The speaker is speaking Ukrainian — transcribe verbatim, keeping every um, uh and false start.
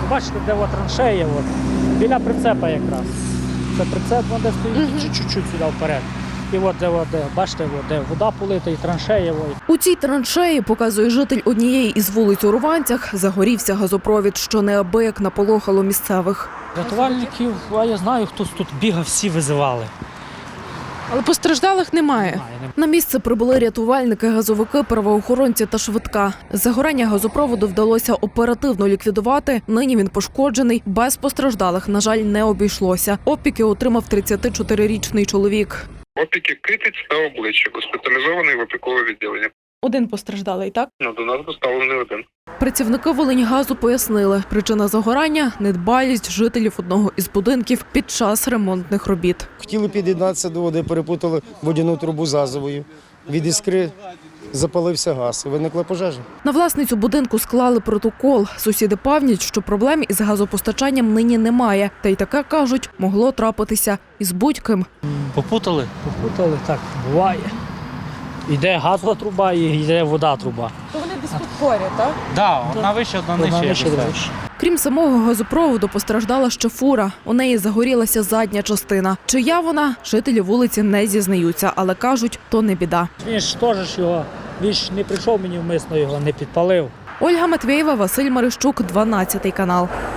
бачите, де от траншея, от, біля прицепа якраз. Це прицеп, вон де стоїть, mm-hmm. чуть-чуть сюди вперед. І от де, от, де бачите, от, де вода полита і траншея. От. У цій траншеї, показує житель однієї із вулиць у Руванцях, загорівся газопровід, що неабияк наполохало місцевих. Рятувальників, а я знаю, хтось тут бігав, всі визивали. Але постраждалих немає. Немає, немає. На місце прибули рятувальники, газовики, правоохоронці та швидка. Загорання газопроводу вдалося оперативно ліквідувати. Нині він пошкоджений. Без постраждалих, на жаль, не обійшлося. Опіки отримав тридцятичотирирічний чоловік. Опіки китиць та обличчя. Госпіталізований в опікове відділення. Один постраждалий, так? Ну, до нас доставлений один. Працівники Волиньгазу пояснили, причина загорання – недбалість жителів одного із будинків під час ремонтних робіт. Хотіли під'єднатися до води, перепутали водяну трубу з газовою. Від іскри запалився газ і виникла пожежа. На власницю будинку склали протокол. Сусіди певнять, що проблем із газопостачанням нині немає. Та й таке, кажуть, могло трапитися із будь-ким. Попутали? Попутали, так, буває. Йде газова труба і йде вода труба. То вони десь тут поряд, так? Так, одна вища, одна нижча. Крім самого газопроводу, постраждала ще фура. У неї загорілася задня частина. Чия вона, жителі вулиці не зізнаються, але кажуть, то не біда. Він ж теж його, він ж не прийшов мені вмисно, його не підпалив. Ольга Матвєєва, Василь Марищук, дванадцятий канал.